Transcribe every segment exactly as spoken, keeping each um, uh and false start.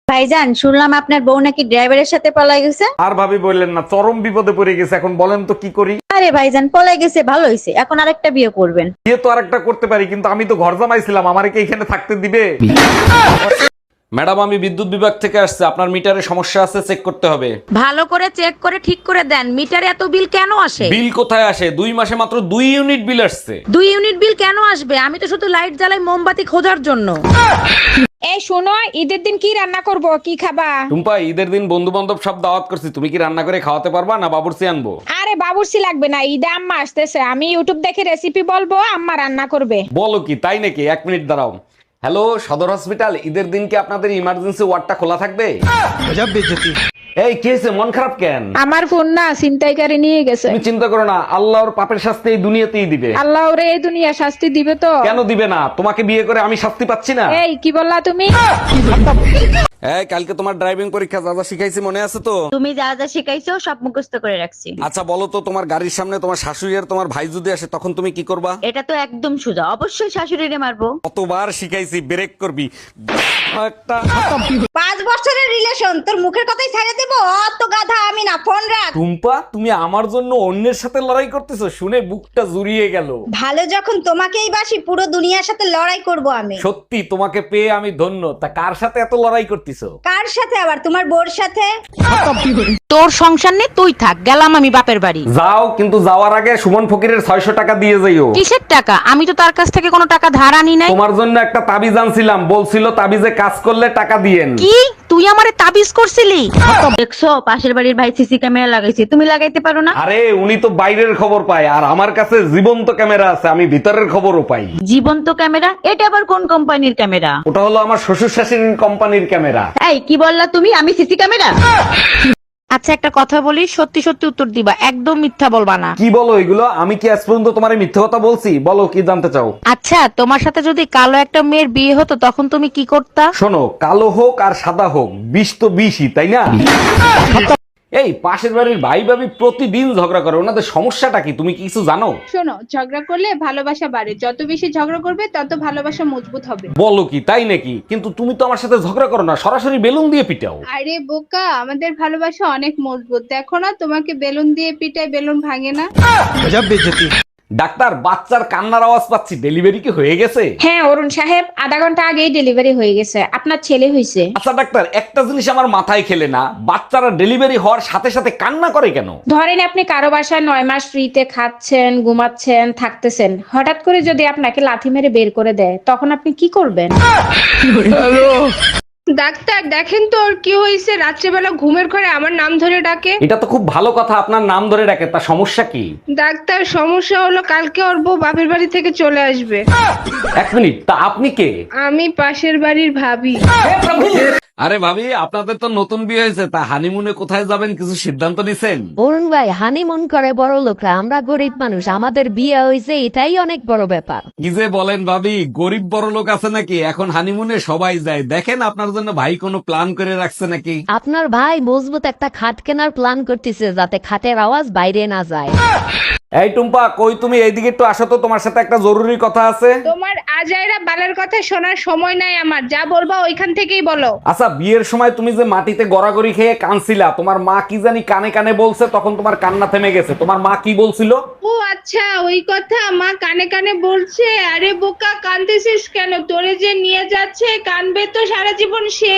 ভাইজান, শুনলাম আপনার বউ নাকি ড্রাইভারের সাথে পলাই গেছে। আর ভাবি বললেন না, চরম বিপদে পড়ে গেছে। এখন বলেন তো কি করি? আরে ভাইজান, পলাই গেছে ভালো হয়েছে, এখন আরেকটা বিয়ে করবেন। বিয়ে তো আরেকটা করতে পারি, কিন্তু আমি তো ঘর জামাইছিলাম, আমারে কি এখানে থাকতে দিবে? ম্যাডাম, আমি বিদ্যুৎ বিভাগ থেকে আসছে, আপনার মিটারে সমস্যা আছে, চেক করতে হবে। ভালো করে চেক করে ঠিক করে দেন। মিটারে এত বিল কেন আসে? বিল কোথায় আসে? দুই মাসে মাত্র দুই ইউনিট বিল আসছে। দুই ইউনিট বিল কেন আসবে? আমি তো শুধু লাইট জ্বালাই মোমবাতি খোঁজার জন্য। এই শোনো, ঈদের দিন কি রান্না করব, কি খাবা? টুম্পা, ঈদের দিন বন্ধু বান্ধব সব দাওয়াত করছি, তুমি কি রান্না করে খাওয়াতে পারবা না বাবুর্চি আনবো? আরে বাবুর্চি লাগবে না, ঈদে আম্মা আসতেছে, আমি ইউটিউব দেখে রেসিপি বলবো, আম্মা রান্না করবে। বলো কি, তাই নাকি? এক মিনিট দাঁড়াও। হ্যালো, সদর হসপিটাল, ঈদের দিন কি আপনাদের ইমার্জেন্সি ওয়ার্ডটা খোলা থাকবে? এই কি হয়েছে, মন খারাপ কেন? আমার ফোন না ছিনতাইকারী নিয়ে গেছে। তুমি চিন্তা করো না, আল্লাহর পাপের শাস্তি এই দুনিয়াতেই দিবে। আল্লাহ ওরে এই দুনিয়া শাস্তি দিবে তো। কেন দিবে না? তোমাকে বিয়ে করে আমি শাস্তি পাচ্ছি না? এই কি বললা তুমি? এই, কালকে তোমার ড্রাইভিং পরীক্ষা যা যা শিখাইছি মনে আছে তো? তুমি যা যা শিখাইছো সব মুখস্থ করে রাখছি। আচ্ছা বলো তো, তোমার গাড়ির সামনে তোমার শাশুড়ি আর তোমার ভাই যদি আসে, তখন তুমি কি করবা? এটা তো একদম সোজা, অবশ্যই শাশুড়িরে মারবো। কতবার শিখাইছি, ব্রেক করবি একটা। পাঁচ বছরের রিলেশন, তোর মুখের কথাই ছেড়ে দেব? অত গাধা আমি না, ফোন রাখ। টুম্পা, তুমি আমার জন্য অন্যের সাথে লড়াই করতেছো, শুনে বুকটা জুড়িয়ে গেল। ভালো যখন তোমাকেই বাসি, পুরো দুনিয়ার সাথে লড়াই করব আমি। সত্যি তোমাকে পেয়ে আমি ধন্য। তা কার সাথে এত লড়াই করতেছো? কার সাথে আবার? তোমার বোর সাথে। তোর সংসার নেই, তুই থাক, গেলাম আমি বাপের বাড়ি। যাও, কিন্তু যাওয়ার আগে সুমন ফকিরের ছয়শ টাকা দিয়ে যাইও। কিসের টাকা? আমি তো তার কাছ থেকে কোনো টাকা ধার আনি নাই। তোমার জন্য একটা তাবিজ আনছিলাম, বলছিল তাবিজে কাজ করলে টাকা দিয়েন। কি তুই আমারে তাবিজ করছিলি? দেখছো, পাশের বাড়ির ভাই সিসি ক্যামেরা লাগাইছে, তুমি লাগাইতে পারো না? আরে উনি তো বাইরের খবর পায়, আর আমার কাছে জীবন্ত ক্যামেরা আছে, আমি ভিতরের খবরও পাই। জীবন্ত ক্যামেরা? এটা আবার কোন কোম্পানির ক্যামেরা? ওটা হলো আমার শ্বশুর শাশুড়ির কোম্পানির ক্যামেরা। এই কি বললা তুমি? আমি সিসি ক্যামেরা? আচ্ছা একটা কথা বলি, সত্যি সত্যি উত্তর দিবা, একদম মিথ্যা বলবা না। কি বলো এগুলো? আমি কি আজ পর্যন্ত তোমার মিথ্যে কথা বলছি? বলো কি জানতে চাও? আচ্ছা, তোমার সাথে যদি কালো একটা মেয়ের বিয়ে হতো, তখন তুমি কি করতা? শোনো, কালো হোক আর সাদা হোক, বিষ তো বিষই, তাই না? এই পাশের বাড়ির ভাই ভাবি প্রতিদিন ঝগড়া করে, ওনাদের সমস্যাটা কি তুমি কি কিছু জানো? শোনো, ঝগড়া করলে ভালোবাসা বাড়ে, যত বেশি ঝগড়া করবে তত ভালোবাসা মজবুত হবে। বলো কি, তাই নাকি? কিন্তু তুমি তো আমার সাথে ঝগড়া করো না, সরাসরি বেলুন দিয়ে পিটাও। আরে বোকা, আমাদের ভালোবাসা অনেক মজবুত, দেখো না তোমাকে বেলুন দিয়ে পিটায় বেলুন ভাঙে না। ডাক্তার, বাচ্চার কান্নার আওয়াজ পাচ্ছি, ডেলিভারি কি হয়ে গেছে? হ্যাঁ অরুণ সাহেব, আধা ঘন্টা আগেই ডেলিভারি হয়ে গেছে, আপনার ছেলে হয়েছে। আচ্ছা ডাক্তার, একটা জিনিস আমার মাথায় খেলে না, বাচ্চারা ডেলিভারি হওয়ার সাথে সাথে কান্না করে কেন? ধরেন আপনি কারো বাসায় নয় মাস ফ্রিতে খাচ্ছেন, ঘুমাচ্ছেন, থাকতেছেন, হঠাৎ করে যদি আপনাকে লাথি মেরে বের করে দেয়, তখন আপনি কি করবেন? ডাক্তার দেখেন তো ওর কি হয়েছে, রাত্রেবেলা ঘুমের ঘরে আমার নাম ধরে ডাকে। এটা তো খুব ভালো কথা, আপনার নাম ধরে ডাকে, তা সমস্যা কি? ডাক্তার সমস্যা হলো কালকে ওর বউ বাপের বাড়ি থেকে চলে আসবে। এক মিনিট, তা আপনি কে? আমি পাশের বাড়ির ভাবি। আরে ভাবি, আপনাদের তো নতুন বিয়ে হয়েছে, তা হানিমুনে কোথায় যাবেন কিছু সিদ্ধান্ত নিছেন? অরুণ ভাই, হানিমুন করে বড় লোকরা, আমরা গরিব মানুষ, আমাদের বিয়ে হয়েছে, এটাই অনেক বড় ব্যাপার। কি যে বলেন ভাবি, গরিব বড় লোক আছে নাকি? এখন হানিমুনে সবাই যায়। দেখেন আপনার জন্য ভাই কোনো প্ল্যান করে রাখছে নাকি? আপনার ভাই মজবুত একটা খাট কেনার প্ল্যান করতেছে, যাতে খাটের আওয়াজ বাইরে না যায়। এই টুম্পা, কই তুমি? এইদিকে একটু আসো তো, তোমার সাথে একটা জরুরি কথা আছে। তোমার আজাইরা বালের কথা শোনার সময় নাই আমার, যা বলবা ওইখান থেকেই বলো। আচ্ছা, বিয়ের সময় তুমি যে মাটিতে গড়াগড়ি খেয়ে কানছিলা, তোমার মা কি জানি কানে কানে বলছে, তখন তোমার কান্না থেমে গেছে। তোমার মা কি বলছিল? ও আচ্ছা, ওই কথা মা কানে কানে বলছে। আরে বোকা, কাঁদতেছিস কেন? তোরে যে নিয়ে যাচ্ছে, কানবে তো সারা জীবন সে।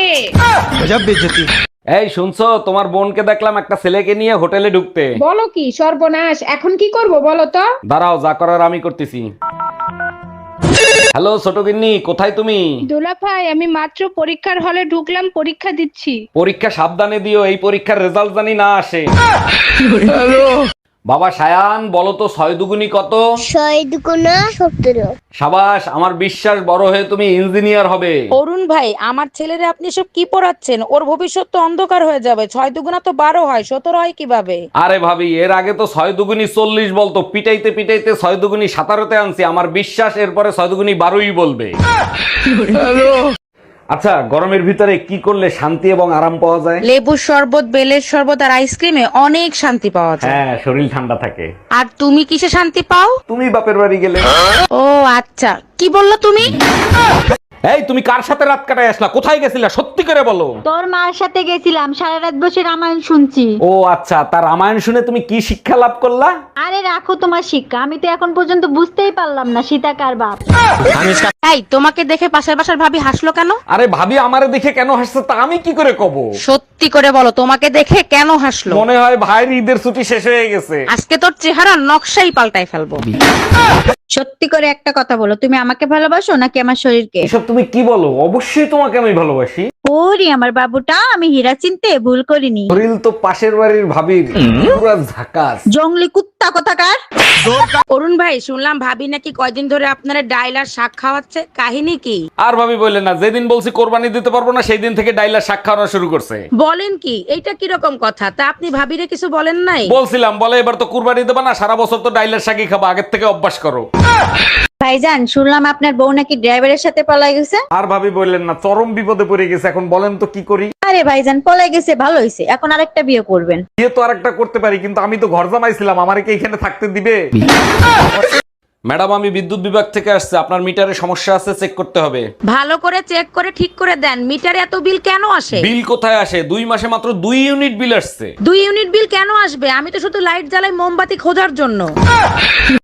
এই শুনছো, তোমার বোনকে দেখলাম একটা ছেলেকে নিয়ে হোটেলে ঢুকতে। বলো কি সর্বনাশ, এখন কি করব বলো তো? দাঁড়াও, যা করার আমি করতেছি। হ্যালো ছোট গিন্নি, কোথায় তুমি? দুলা ভাই, আমি মাত্র পরীক্ষার হলে ঢুকলাম, পরীক্ষা দিচ্ছি। পরীক্ষা সাবধানে দিও, এই পরীক্ষার রেজাল্ট জানি না আসে। বাবা সায়ান, বলো তো ছয় দুগুনি কত? ছয় দুগুণা সতেরো। সাবাস, আমার বিশ্বাস বড় হয়ে তুমি ইঞ্জিনিয়ার হবে। অরুণ ভাই, আমার ছেলেরে আপনি সব কি পড়াচ্ছেন? ওর ভবিষ্যৎ তো অন্ধকার হয়ে যাবে। ছয় দুগুণা তো বারো হয়, সতেরো হয় কিভাবে? আরে ভাবি, এর আগে তো ছয় দুগুনি চল্লিশ বলতো, পিটাইতে পিটাইতে ছয় দুগুনি সাতারোতে আনছি। আমার বিশ্বাস এরপরে ছয় দুগুনি বারোই বলবে। আচ্ছা, গরমের ভিতরে কি করলে শান্তি এবং আরাম পাওয়া যায়? লেবুর শরবত, বেলের শরবত আর আইসক্রিমে অনেক শান্তি পাওয়া যায়। হ্যাঁ, শরীর ঠান্ডা থাকে। আর তুমি কিসে শান্তি পাও? তুমি বাপের বাড়ি গেলে। ও আচ্ছা, কি বললো তুমি? এই তুমি কার সাথে রাত কাটায় আসলা, কোথায় গেছিলা, সত্যি করে বলো। তোর মার সাথে গেছিলাম, সারা রাত বসে রামায়ণ শুনছি। ও আচ্ছা, তার রামায়ণ শুনে তুমি কি শিক্ষা লাভ করলা? আরে রাখো তোমার শিক্ষা, আমি তো এখন পর্যন্ত বুঝতেই পারলাম না সীতা কার বাপ। এই তোমাকে দেখে পাশের বাসার ভাবি হাসলো কেন? আরে ভাবি আমারে দেখে কেন হাসছে তা আমি কি করে কব? সত্যি করে বলো, তোমাকে দেখে কেন হাসলো? মনে হয় ভাইয়ের ঈদের ছুটি শেষ হয়ে গেছে। আজকে তোর চেহারা নকশাই পাল্টাই ফেলবো। সত্যি করে একটা কথা বলো, তুমি আমাকে ভালোবাসো নাকি আমার শরীরকে? এসব তুমি কি বলো? অবশ্যই তোমাকে আমি ভালোবাসি। ওরে আমার বাবুটা, আমি হীরা চিনতে ভুল করিনি। শরীর তো পাশের বাড়ির ভাবির, পুরা ঝাকাস। জঙ্গলি কুত্তা কোথাকার। অরুণ ভাই, শুনলাম ভাবি নাকি কয়দিন ধরে আপনারা ডাইল আর শাক খাওয়াচ্ছে, কাহিনী কি? আর ভাবি বললেন না, যেদিন বলছি কোরবানি দিতে পারবো না সেই দিন থেকে ডাইলার শাক খাওয়ানো শুরু করছে। বলেন কি, এইটা কিরকম কথা? তা আপনি ভাবিরে কিছু বলেন নাই? বলছিলাম, বলে এবার তো কুরবানি দেবা না, সারা বছর তো ডাইলার শাকই খাবা, আগের থেকে অভ্যাস করো। ভাইজান, শুনলাম আপনার বউ নাকি ড্রাইভারের সাথে পলাই গেছে। আর ভাবি বললেন না, চরম বিপদে পড়ে গেছে, এখন বলেন তো কি করি? আরে ভাইজান, পলাই গেছে ভালো হয়েছে, এখন আরেকটা বিয়ে করবেন। বিয়ে তো আরেকটা করতে পারি, কিন্তু আমি তো ঘর জামাইছিলাম, আমারে কি এখানে থাকতে দিবে? ম্যাডাম, আমি বিদ্যুৎ বিভাগ থেকে আসছে, আপনার মিটারে সমস্যা আছে, চেক করতে হবে। ভালো করে চেক করে ঠিক করে দেন, মিটারে এত বিল কেন আসে? বিল কোথায় আসে? দুই মাসে মাত্র দুই ইউনিট বিল আসছে। দুই ইউনিট বিল কেন আসবে? আমি তো শুধু লাইট জ্বালাই মোমবাতি খোঁজার জন্য।